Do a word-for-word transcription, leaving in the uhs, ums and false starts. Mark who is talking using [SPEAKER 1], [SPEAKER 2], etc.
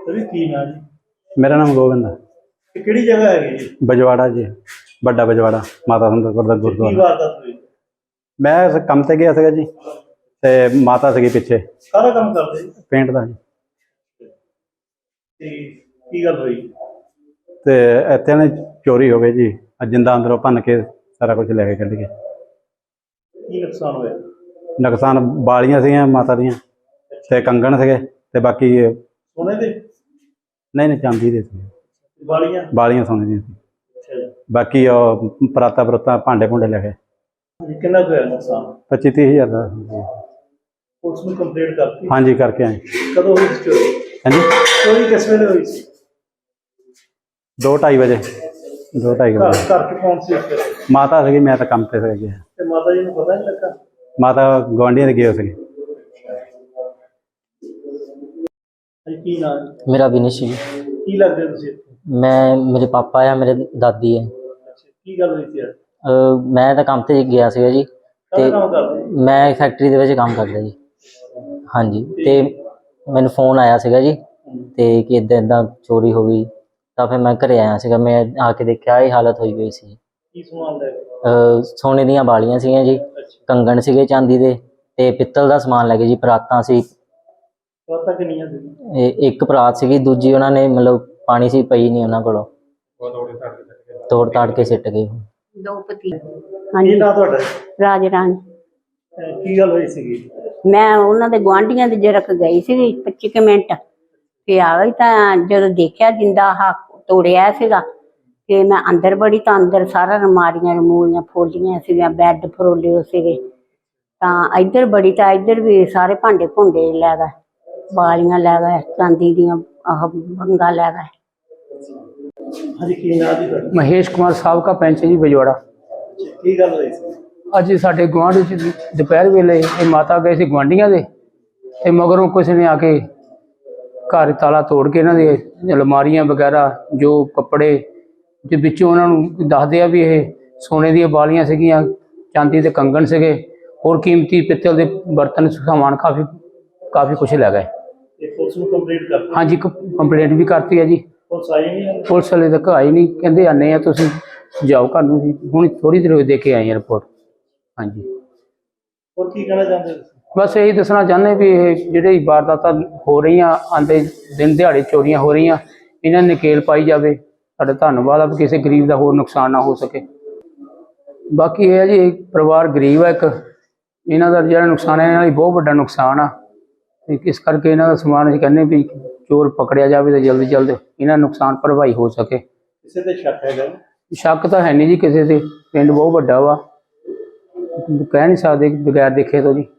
[SPEAKER 1] की नाम जी?
[SPEAKER 2] मेरा नाम गोविंद है।
[SPEAKER 1] किहड़ी जगह है जी?
[SPEAKER 2] बजवाड़ा जी, बड़ा बजवाड़ा माता सुंदरपुर का
[SPEAKER 1] की
[SPEAKER 2] गुरुद्वारा।
[SPEAKER 1] वारदात हुई?
[SPEAKER 2] मैं काम से गया था जी, ते माता सी पिछे
[SPEAKER 1] सारा काम करते जी?
[SPEAKER 2] पेंट का जी।
[SPEAKER 1] ते की गल हुई?
[SPEAKER 2] ते इत्थे ना चोरी हो गई जी, जिंदा अंदरों भन के सारा कुछ लैके कढ़ गए।
[SPEAKER 1] की नुकसान होया?
[SPEAKER 2] नुकसान बालियां सीगियां माता दियां ते कंगन सीगे ते बाकी
[SPEAKER 1] सोने दे?
[SPEAKER 2] नहीं नहीं चांदी दे सी,
[SPEAKER 1] वालियां?
[SPEAKER 2] बालियां सोने दी सी।
[SPEAKER 1] अच्छा जी।
[SPEAKER 2] बाकी ओ पराता परुता भांडे भूंडे ले गए।
[SPEAKER 1] जी, कितना कुछ होया नुकसान?
[SPEAKER 2] पच्ची तीह हज़ार का।
[SPEAKER 1] पुलिस में कंप्लेंट करती?
[SPEAKER 2] हाँ जी करके आए।
[SPEAKER 1] कदों हुई सी चोरी?
[SPEAKER 2] हाँ जी
[SPEAKER 1] चोरी किस वेले हुई सी?
[SPEAKER 2] दो ढाई बजे दो ढाई
[SPEAKER 1] घर
[SPEAKER 2] बजे
[SPEAKER 1] घर च कौन सी उस वेले?
[SPEAKER 2] माता सी, मैं तो काम पे से गया।
[SPEAKER 1] ते माता जी नूं पता नहीं लगा?
[SPEAKER 2] माता गुआढ़िया दे गए थे।
[SPEAKER 1] जी, की नाम जी?
[SPEAKER 3] मेरा विनिश जी।
[SPEAKER 1] की लगदे तुसीं इत्थे?
[SPEAKER 3] मैं मेरे पापा है, मेरे दादी है।
[SPEAKER 1] अच्छा, की गल हुई सी आज?
[SPEAKER 3] ਅਹ ਮੈਂ ਤਾਂ ਕੰਮ ਤੇ ਗਿਆ ਸੀਗਾ ਜੀ,
[SPEAKER 1] ਕਾਹਦਾ
[SPEAKER 3] ਤੇ
[SPEAKER 1] ਕੰਮ ਕਰਦੇ ਜੀ?
[SPEAKER 3] ਮੈਂ ਫੈਕਟਰੀ ਦੇ ਵਿੱਚ ਕੰਮ ਕਰਦਾ ਜੀ। ਹਾਂਜੀ, ਤੇ ਮੈਨੂੰ ਫੋਨ ਆਇਆ ਸੀਗਾ ਜੀ ਤੇ ਕਿ ਇੱਦਾਂ ਇੱਦਾਂ ਚੋਰੀ ਹੋ ਗਈ, ਤਾਂ ਫਿਰ ਮੈਂ ਘਰੇ ਆਇਆ ਸੀਗਾ। ਮੈਂ ਆ ਕੇ ਦੇਖਿਆ ਇਹ ਹਾਲਤ ਹੋਈ ਹੋਈ ਸੀ।
[SPEAKER 1] ਕੀ ਸਮਾਨ ਲੈ ਗਏ?
[SPEAKER 3] ਅਹ ਸੋਨੇ ਦੀਆਂ ਬਾਲੀਆਂ ਸੀਗੀਆਂ ਜੀ,
[SPEAKER 1] ਅੱਛਾ,
[SPEAKER 3] ਕੰਗਣ ਸੀਗੇ ਚਾਂਦੀ ਦੇ, ਤੇ ਪਿੱਤਲ ਦਾ ਸਮਾਨ ਲੈ ਗਏ ਜੀ। ਪਰਾਤਾਂ ਸੀ,
[SPEAKER 1] ਪਤਾ ਕਿੰਨੀਆਂ ਸੀ?
[SPEAKER 3] ਇਹ ਇੱਕ ਪਰਾਤ ਸੀਗੀ, ਦੂਜੀ ਉਹਨਾਂ ਨੇ ਮਤਲਬ ਪਾਣੀ ਸੀ ਪਈ ਨਹੀਂ ਉਹਨਾਂ ਕੋਲੋਂ, ਤੋੜ ਤਾੜ ਕੇ ਸਿੱਟ ਗਏ।
[SPEAKER 4] दो पति।
[SPEAKER 1] ਕੀ
[SPEAKER 4] ਹਾਂਜੀ
[SPEAKER 1] ਨਾਂ ਤੁਹਾਡਾ?
[SPEAKER 4] ਰਾਜ ਰਾਣੀ।
[SPEAKER 1] ਅਹ ਕੀ ਗੱਲ ਹੋਈ ਸੀਗੀ?
[SPEAKER 4] ਮੈਂ ਉਹਨਾਂ ਦੇ ਗੁਆਂਢੀਆਂ ਦੇ ਜਰਕ ਗਈ ਸੀ ਪੱਚੀ ਕੁ ਮਿੰਟ, ਤੇ ਆ ਗਈ ਤਾਂ ਜਦੋਂ ਦੇਖਿਆ ਜਿੰਦਾ ਆਹ ਤੋੜਿਆ ਸੀਗਾ, ਤੇ ਮੈਂ ਅੰਦਰ ਬੜੀ ਤਾਂ ਅੰਦਰ ਸਾਰਾ ਅਲਮਾਰੀਆਂ ਰਮੂਲੀਆਂ ਫੋਲੀਆਂ ਸੀਗੀਆਂ, ਬੈੱਡ ਫਰੋਲੇ ਹੋਏ ਸੀਗੇ। ਤਾਂ ਇੱਧਰ ਬੜੀ ਤਾਂ ਇੱਧਰ ਵੀ ਸਾਰੇ ਭਾਂਡੇ ਭੁੰਡੇ ਲੈ ਗਏ, ਬਾਲੀਆਂ ਲੈ ਗਏ, ਚਾਂਦੀ ਦੀਆਂ ਆਹ ਵੰਗਾਂ ਲੈ ਗਏ।
[SPEAKER 1] ਹਾਂਜੀ, ਕੀ ਨਾਂ ਜੀ ਤੁਹਾਡਾ?
[SPEAKER 5] महेश कुमार साहब का पेंच जी बजवाड़ा।
[SPEAKER 1] ਕੀ ਗੱਲ ਹੋਈ ਸੀ?
[SPEAKER 5] ਅੱਜ ਸਾਡੇ ਗੁਆਂਢ ਵਿੱਚ ਦੁਪਹਿਰ ਵੇਲੇ ਇਹ ਮਾਤਾ ਗਏ ਸੀ ਗੁਆਂਢੀਆਂ ਦੇ, ਤੇ ਮਗਰੋਂ ਕਿਸੇ ਨੇ ਆ ਕੇ ਘਰ ਤਾਲਾ ਤੋੜ ਕੇ ਇਹਨਾਂ ਦੇ ਅਲਮਾਰੀਆਂ ਵਗੈਰਾ ਜੋ ਕੱਪੜੇ ਦੇ ਵਿੱਚੋਂ ਉਹਨਾਂ ਨੂੰ ਦੱਸਦੇ ਆ ਵੀ ਇਹ ਸੋਨੇ ਦੀਆਂ ਬਾਲੀਆਂ ਸੀਗੀਆਂ, ਚਾਂਦੀ ਦੇ ਕੰਗਣ ਸੀਗੇ, ਹੋਰ ਕੀਮਤੀ ਪਿੱਤਲ ਦੇ ਬਰਤਨ ਸਮਾਨ ਕਾਫੀ ਕਾਫੀ ਕੁਛ ਲੈ ਗਏ।
[SPEAKER 1] ਤੇ ਪੁਲਿਸ ਨੂੰ ਕੰਪਲੇਂਟ ਕਰ?
[SPEAKER 5] ਹਾਂਜੀ ਕੰਪਲੇਂਟ ਵੀ ਕਰਤੀ ਹੈ ਜੀ।
[SPEAKER 1] ਪੁਲਿਸ ਆਈ ਨਹੀਂ?
[SPEAKER 5] ਪੁਲਿਸ ਵਾਲੇ ਤੱਕ ਆਈ ਨਹੀਂ, ਕਹਿੰਦੇ ਆਨੇ ਆ ਤੁਸੀਂ ਜਾਓ ਘਰ ਨੂੰ ਜੀ। ਹੁਣ ਥੋੜੀ ਦੇਰ ਹੋਈ ਦੇ ਕੇ ਆਏ ਆ ਰਿਪੋਰਟ। ਹਾਂਜੀ,
[SPEAKER 1] ਹੋਰ ਕੀ ਕਹਿਣਾ ਚਾਹੁੰਦੇ ਤੁਸੀਂ?
[SPEAKER 5] ਬਸ ਇਹੀ ਦੱਸਣਾ ਚਾਹੁੰਦੇ ਵੀ ਇਹ ਜਿਹੜੇ ਵਾਰਦਾਤਾਂ ਹੋ ਰਹੀਆਂ, ਆਉਂਦੇ ਦਿਨ ਦਿਹਾੜੇ ਚੋਰੀਆਂ ਹੋ ਰਹੀਆਂ, ਇਹਨਾਂ ਨੇ ਨਕੇਲ ਪਾਈ ਜਾਵੇ। ਸਾਡਾ ਧੰਨਵਾਦ ਆ ਵੀ ਕਿਸੇ ਗਰੀਬ ਦਾ ਹੋਰ ਨੁਕਸਾਨ ਨਾ ਹੋ ਸਕੇ। ਬਾਕੀ ਇਹ ਹੈ ਜੀ, ਪਰਿਵਾਰ ਗਰੀਬ ਆ, ਇੱਕ ਇਹਨਾਂ ਦਾ ਜਿਹੜਾ ਨੁਕਸਾਨ ਹੈ ਇਹਨਾਂ ਲਈ ਬਹੁਤ ਵੱਡਾ ਨੁਕਸਾਨ ਆ, ਤੇ ਇਸ ਕਰਕੇ ਇਹਨਾਂ ਦਾ ਸਮਾਨ ਅਸੀਂ ਕਹਿੰਦੇ ਵੀ ਚੋਰ ਪਕੜਿਆ ਜਾਵੇ ਤਾਂ ਜਲਦੀ ਜਲਦ ਇਹਨਾਂ ਨੁਕਸਾਨ ਭਰਵਾਈ ਹੋ ਸਕੇ।
[SPEAKER 1] ਕਿਸੇ ਤੇ ਸ਼ੱਕ ਹੈਗਾ?
[SPEAKER 5] ਸ਼ੱਕ ਤਾਂ ਹੈ ਨਹੀਂ ਜੀ ਕਿਸੇ ਤੇ, ਪਿੰਡ ਬਹੁਤ ਵੱਡਾ ਵਾ, ਕਹਿ ਨਹੀਂ ਸਕਦੇ ਬਗੈਰ ਦੇਖੇ ਤੋਂ ਜੀ।